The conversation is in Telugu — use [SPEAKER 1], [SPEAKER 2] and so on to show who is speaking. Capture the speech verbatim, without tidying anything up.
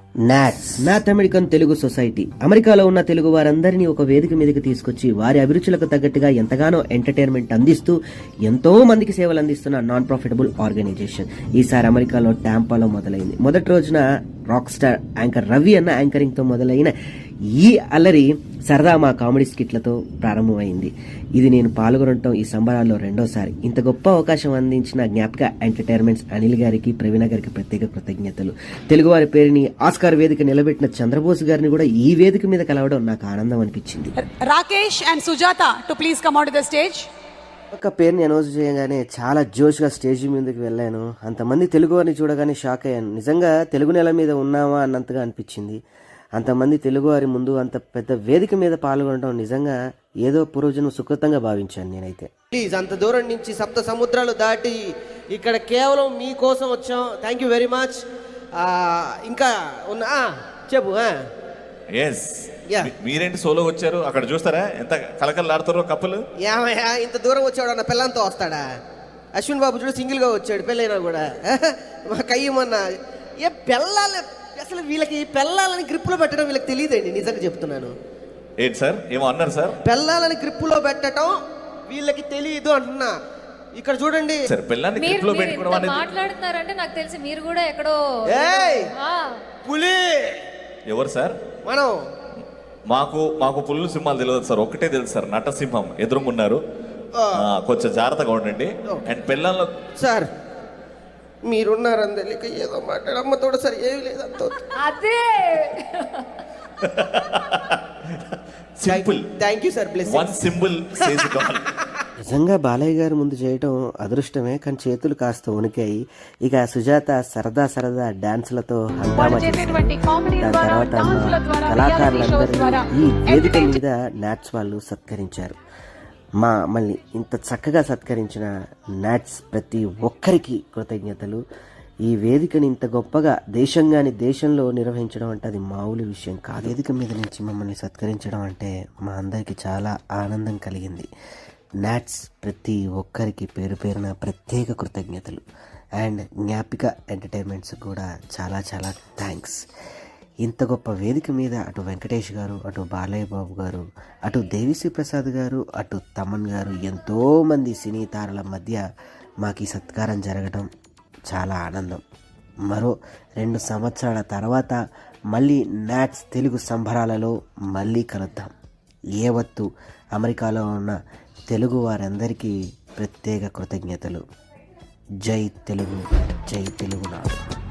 [SPEAKER 1] NATS North American Telugu society అమెరికాలో ఉన్న తెలుగు వారందరినీ ఒక వేదిక మీదకి తీసుకొచ్చి వారి అభిరుచులకు తగ్గట్టుగా ఎంతగానో ఎంటర్టైన్మెంట్ అందిస్తూ ఎంతో మందికి సేవలు అందిస్తున్న నాన్ ప్రాఫిటబుల్ ఆర్గనైజేషన్ ఈసారి అమెరికాలో టాంపాలో మొదలైంది. మొదటి రోజున రాక్ స్టార్ యాంకర్ రవి అన్న యాంకరింగ్ తో మొదలైన ఈ అల్లరి సరదా మా కామెడీ స్కిట్లతో ప్రారంభమైంది. ఇది నేను పాల్గొనడం ఈ సంబరాల్లో రెండోసారి. ఇంత గొప్ప అవకాశం అందించిన జ్ఞాపక ఎంటర్టైన్మెంట్స్ అనిల్ గారికి, ప్రవీణ గారికి ప్రత్యేక కృతజ్ఞతలు. తెలుగువారి పేరుని ఆస్కార్ వేదిక నిలబెట్టిన చంద్రబోస్ గారిని కూడా ఈ వేదిక మీద కలవడం నాకు ఆనందం అనిపించింది.
[SPEAKER 2] Rakesh and Sujatha to please come out to the stage.
[SPEAKER 1] ఒక పేరుని అనౌన్స్ చేయగానే చాలా జోష్గా స్టేజ్ మీదకి వెళ్ళాను. అంతమంది తెలుగు వారిని చూడగానే షాక్ అయ్యాను. నిజంగా తెలుగు నేల మీద ఉన్నామా అన్నంతగా అనిపించింది. అంతమంది తెలుగువారి ముందు అంత పెద్ద వేదిక మీద పాల్గొనడం నిజంగా ఏదో పూర్వజన్మ సుకృతంగా భావించాను నేనైతే.
[SPEAKER 3] ప్లీజ్, అంత దూరం నుంచి సప్త సముద్రాలు దాటి ఇక్కడ కేవలం మీకోసం వచ్చాం. Thank you very much. ఇంకా ఉన్నా చెప్పు.
[SPEAKER 4] ఎస్, మీరేంటి సోలో వచ్చారు? అక్కడ చూస్తారా ఎంత కలకలలాడుతారో కప్పులు.
[SPEAKER 3] ఏమయ్యా, ఇంత దూరం వచ్చాడు అన్న పిల్లంతో వస్తాడా? అశ్విన్ బాబు చూడు సింగిల్ గా వచ్చాడు, పెళ్ళైనా కూడా. మా కయ్యమన్నా ఏ పెళ్ళాలి అసలు వీళ్ళకి పెళ్ళాలని గ్రిప్పులో పెట్టడం వీళ్ళకి తెలియదండి, నిజంగా చెప్తున్నాను.
[SPEAKER 4] ఏంటి సార్ ఏమో అన్నారు సార్?
[SPEAKER 3] పెళ్ళాలని గ్రిప్పులో పెట్టడం వీళ్ళకి తెలియదు అంటున్నా. ఇక్కడ చూడండి
[SPEAKER 4] సార్, పిల్లని గ్రిప్పులో పెట్టుకోవడం అనేది
[SPEAKER 5] మాట్లాడుతున్నారంటే నాకు తెలిసి మీరు కూడా ఎక్కడో.
[SPEAKER 3] ఏయ్ పులి
[SPEAKER 4] ఎవరు సార్?
[SPEAKER 3] మనం
[SPEAKER 4] మాకు మాకు పుల్లు సింహాలు తెలియదు సార్, ఒక్కటే తెలుసు సార్, నటసింహం ఎదురుకున్నారు. కొంచెం జాగ్రత్తగా ఉండండి. అండ్ పిల్లల్లో
[SPEAKER 3] సార్ మీరున్నారని తెలియక ఏదో మాట్లాడమ్మతోడు సార్, ఏమి లేదంతో.
[SPEAKER 5] అదే
[SPEAKER 4] simple.
[SPEAKER 3] Thank you sir. Bless
[SPEAKER 4] one simple sage god.
[SPEAKER 1] నిజంగా బాలయ్య గారి ముందు చేయటం అదృష్టమే, కానీ చేతులు కాస్త వణికాయి. ఇక సుజాత సరదా సరదా డాన్సులతో హంగామా చేసింది. దాని తర్వాత కళాకారులందరూ ఈ వేదిక మీద నాట్స్ వాళ్ళు సత్కరించారు. మా మళ్ళీ ఇంత చక్కగా సత్కరించిన నాట్స్ ప్రతి ఒక్కరికి కృతజ్ఞతలు. ఈ వేదికని ఇంత గొప్పగా దేశంగాని దేశంలో నిర్వహించడం అంటే అది మామూలు విషయం కాదు. వేదిక మీద నుంచి మమ్మల్ని సత్కరించడం అంటే మా అందరికీ చాలా ఆనందం కలిగింది. నాట్స్ ప్రతి ఒక్కరికి పేరు పేరున ప్రత్యేక కృతజ్ఞతలు. అండ్ జ్ఞాపిక ఎంటర్టైన్మెంట్స్ కూడా చాలా చాలా థ్యాంక్స్. ఇంత గొప్ప వేదిక మీద అటు వెంకటేష్ గారు, అటు బాలయ్య బాబు గారు, అటు దేవిశ్రీ ప్రసాద్ గారు, అటు తమన్ గారు, ఎంతోమంది సినీ తారల మధ్య మాకు ఈ సత్కారం జరగడం చాలా ఆనందం. మరో రెండు సంవత్సరాల తర్వాత మళ్ళీ నాట్స్ తెలుగు సంబరాలలో మళ్ళీ కలుద్దాం. ఏవత్తు అమెరికాలో ఉన్న తెలుగు వారందరికీ ప్రత్యేక కృతజ్ఞతలు. జై తెలుగు, జై తెలుగునాడు.